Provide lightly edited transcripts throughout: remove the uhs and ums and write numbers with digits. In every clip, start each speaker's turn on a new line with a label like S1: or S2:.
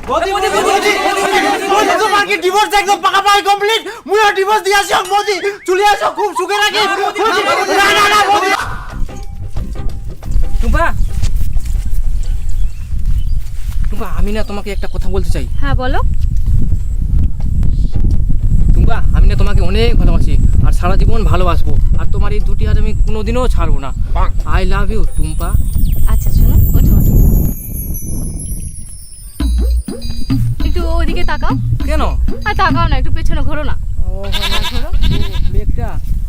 S1: মোদি তোমার কি ডিভোর্স একদম পাকাপাকি কমপ্লিট মুই ডিভোর্স দি আসি মোদি চলে আসো খুব সুখে রাখি না না না মোদি
S2: টুম্পা টুম্পা আমি না তোমাকে একটা কথা বলতে চাই।
S3: হ্যাঁ বলো।
S2: টুম্পা আমি না তোমাকে অনেক ভালোবাসি আর সারা জীবন ভালোবাসবো আর তোমার এই দুটি হাত আমি কোনোদিনও ছাড়বো না। I love you Tumpa.
S3: আচ্ছা শোনো ওঠো ওঠো একটু ওদিকে তাকাও।
S2: কেন?
S3: আর তাকাও না একটু পেছনে ঘোরো না।
S2: ও ঘোরো ব্যাগটা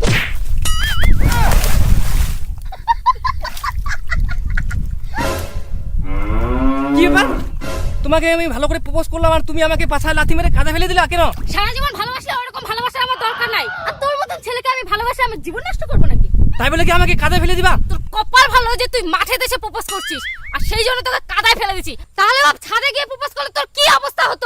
S2: কি ব্যাপার? তোমাকে আমি ভালো করে প্রপোজ করলাম আর তুমি আমাকে পাছায় লাথি মেরে কাঁদে ফেলে দিলা কেন?
S3: সারা জীবন ভালোবাসলে ওরকম ভালোবাসা আমার দরকার নাই। আর তোর মতন ছেলেকে আমি ভালোবাসি আমার জীবন নষ্ট করব নাকি?
S2: তাই বলে কি আমাকে কাঁদে ফেলে দিবা?
S3: তোর কপাল ভালো যে তুই মাঠে দেশে প্রপোজ করছিস আর সেই জন্য তোকে কাদায় ফেলে দিছি। তাহলে বাপ ছাদে গিয়ে প্রপোজ করলে তোর কি অবস্থা হতো?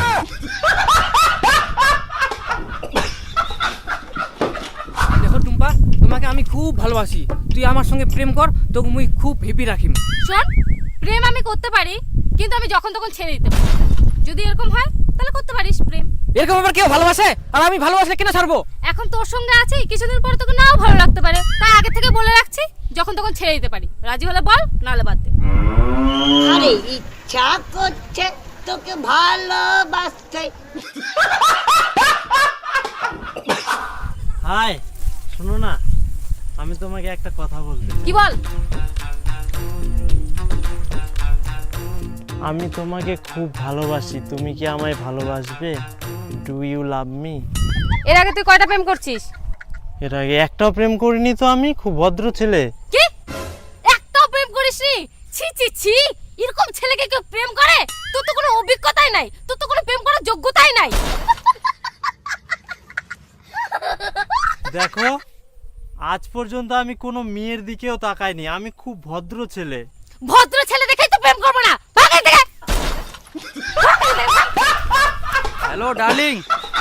S2: দেখো টুম্পা তোমাকে আমি খুব ভালোবাসি, তুই আমার সঙ্গে প্রেম কর, তোকে মুই খুব হেপি রাখিম।
S3: শোন প্রেম আমি করতে পারি কিন্তু আমি যখন তখন ছেড়ে দিতে পারি। যদি এরকম হয় তাহলে করতে পারিস প্রেম।
S2: এরকম আবার কেউ ভালোবাসে? আর আমি ভালোবাসলে কেন ছাড়বো?
S3: এখন তোর সঙ্গে আছি কিছুদিন পরে তোকে নাও ভালো লাগতে পারে, তাই আগে থেকে বলে রাখছি যখন তখন ছেড়ে দিতে পারি। রাজি হলে বল নাহলে বাদ দে।
S4: আরে ইচ্ছা করছে তোকে ভালোবাসতে।
S1: হাই শোনো না আমি তোমাকে একটা কথা বলতে।
S3: কি বল?
S1: আমি তোমাকে খুব ভালোবাসি, তুমি কি আমায় ভালোবাসবে? Do you love me?
S3: এর আগে তুই কয়টা প্রেম করছিস?
S1: এর আগে একটাও প্রেম করিনি তো, আমি খুব ভদ্র ছেলে।
S3: কি একটাও প্রেম করিসনি? ছি ছি ছি, এরকম ছেলেকে কেউ প্রেম করে? তোর তো কোনো অভিজ্ঞতাই নাই, তোর তো কোনো প্রেম করার যোগ্যতাই নাই।
S1: দেখো আজ পর্যন্ত আমি কোনো মেয়ের দিকেও তাকাইনি, আমি খুব ভদ্র ছেলে।
S3: ভদ্র ছেলে দেখেই তো প্রেম করবো না, ভাগ এখান থেকে।
S2: Hello darling.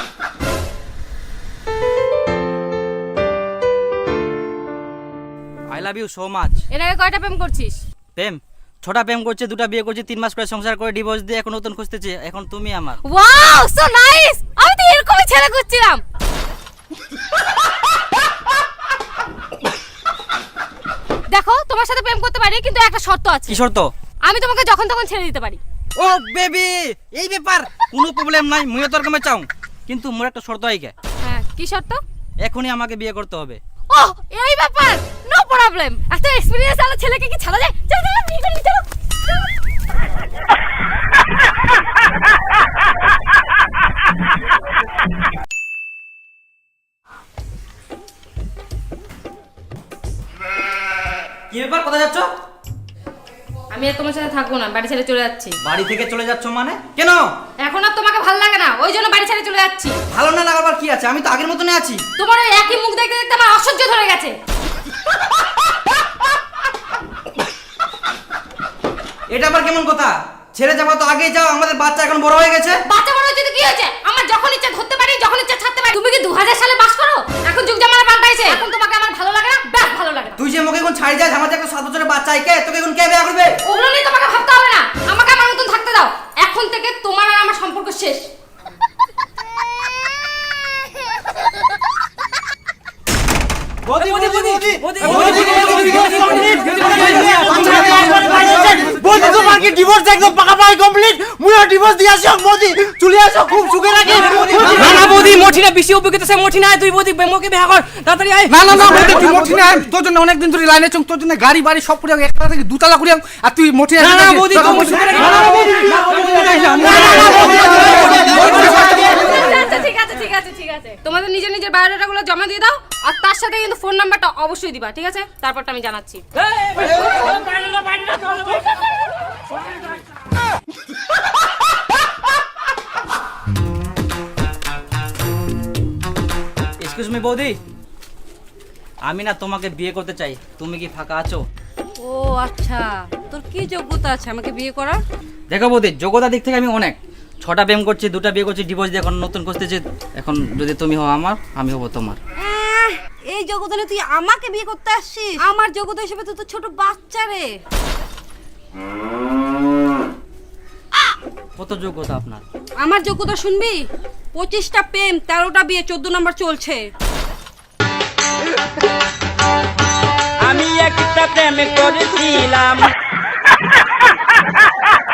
S5: I love you so much.
S3: এর আগে কয়টা প্রেম করছিস?
S5: প্রেম ছোটা প্রেম করছে, দুটা বিয়ে করছে, 3 মাস করে সংসার করে ডিভোর্স দিয়ে এখন নতুন খুঁজতেছে। এখন তুমি আমার।
S3: ওয়াও সো নাইস, আমি তো এরকমই ছেলে খুঁজছিলাম। দেখো তোমার সাথে প্রেম করতে পারি কিন্তু একটা শর্ত আছে।
S5: কি শর্ত?
S3: আমি তোমাকে যখন তখন ছেড়ে দিতে পারি।
S5: ও বেবি এই ব্যাপার কোনো প্রবলেম নাই, মুইও তোর কামে চাও, কিন্তু মোর একটা শর্ত আইকে।
S3: হ্যাঁ কি শর্ত?
S5: এখনই আমাকে বিয়ে করতে হবে।
S3: ও এই ব্যাপার, নো প্রবলেম। এত এক্সপেরিয়েন্স আলা ছেলেকে কি ছাড়া যায়? চলো চলো বিয়ে করি চলো।
S5: কি ব্যাপার কোথায় যাচ্ছ?
S3: আমি আর তোমার সাথে থাকবো না, বাড়ি ছেড়ে চলে যাচ্ছি।
S5: বাড়ি থেকে চলে যাচ্ছ মানে? কেন?
S3: এখন আর তোমাকে ভালো লাগে না, ওই জন্য বাড়ি ছেড়ে চলে যাচ্ছি।
S5: ভালো না লাগাবার কি আছে, আমি তো আগের মতনই আছি।
S3: তোমার ওই একই মুখ দেখতে দেখতে আমার অসহ্য ধরে গেছে।
S5: এটা আবার কেমন কথা? ছেড়ে যাবো তো আগেই যাও, আমাদের বাচ্চা এখন বড় হয়ে গেছে।
S3: বাচ্চা বড় হয়েছে তো কি হয়েছে? আমার যখন ইচ্ছা ধরতে পারি, যখন ইচ্ছা ছাড়তে পারি। তুমি কি 2000 সালে বাস করো? এখন যুগ জামানা পাল্টাইছে, এখন তোমাকে আমার ভালো লাগে না, ব্যাস ভালো লাগে না।
S5: তুই যে মুখে এখন ছাড়ি যাস, আমাদের একটা 7 বছরের বাচ্চা আইকে, তোকে এখন কে বিয়ে করবে?
S3: ওগুলো নিয়ে তোমাকে ভাবতে হবে না, আমাকে আমার মতন থাকতে দাও। এখন থেকে তোমার আর আমার সম্পর্ক শেষ।
S1: মোদি তোমার কি ডিভোর্স একদম পাকাপাকি কমপ্লিট মুই ডিভোর্স দি আসি মোদি চলে আসো খুব সুখে রাখি
S2: না না বৌদি মোটি না, বেশি অভিজ্ঞতা সে মোটি না, তুই বৌদি মোকে বিয়ে কর তাড়াতাড়ি আয়।
S6: না না না বলতে তুই মোটি না, তোর জন্য অনেকদিন ধরে লাইনে চং, তোর জন্য গাড়ি বাড়ি সব করে একটা থেকে দুতলা করে আর তুই মোটি
S2: না না বৌদি তো মোটি না।
S3: আচ্ছা ঠিক আছে ঠিক আছে ঠিক আছে, তোমাদের নিজের নিজের বায়োডাটাগুলো জমা দিয়ে দাও আর তার সাথে কিন্তু ফোন নাম্বারটা অবশ্যই দিবা, ঠিক আছে? তারপরটা আমি জানাচ্ছি।
S5: এক্সকিউজ মি বৌদি, আমি না তোমাকে বিয়ে করতে চাই, তুমি কি ফাঁকা আছো?
S7: ও আচ্ছা, তোর কি যোগ্যতা আছে আমাকে বিয়ে করার?
S5: দেখো বৌদি, যোগ্যতার দিক থেকে আমি অনেক, 6টা প্রেম করছি, 2টা বিয়ে করছি, ডিভোর্স দিয়ে এখন নতুন খুঁজতেছি। এখন যদি তুমি হও আমার, আমি হব তোমার।
S7: এই যোগ্যতা নিয়ে তুই আমাকে বিয়ে করতে আসছিস? আমার যোগ্যতা হিসেবে তো তোর ছোট বাচ্চা রে।
S5: কত যোগ্যতা আপনার?
S7: আমার যোগ্যতা শুনবি? 25টা প্রেম, 13টা বিয়ে, 14 নম্বর চলছে।
S8: আমি একটা প্রেম করেছিলাম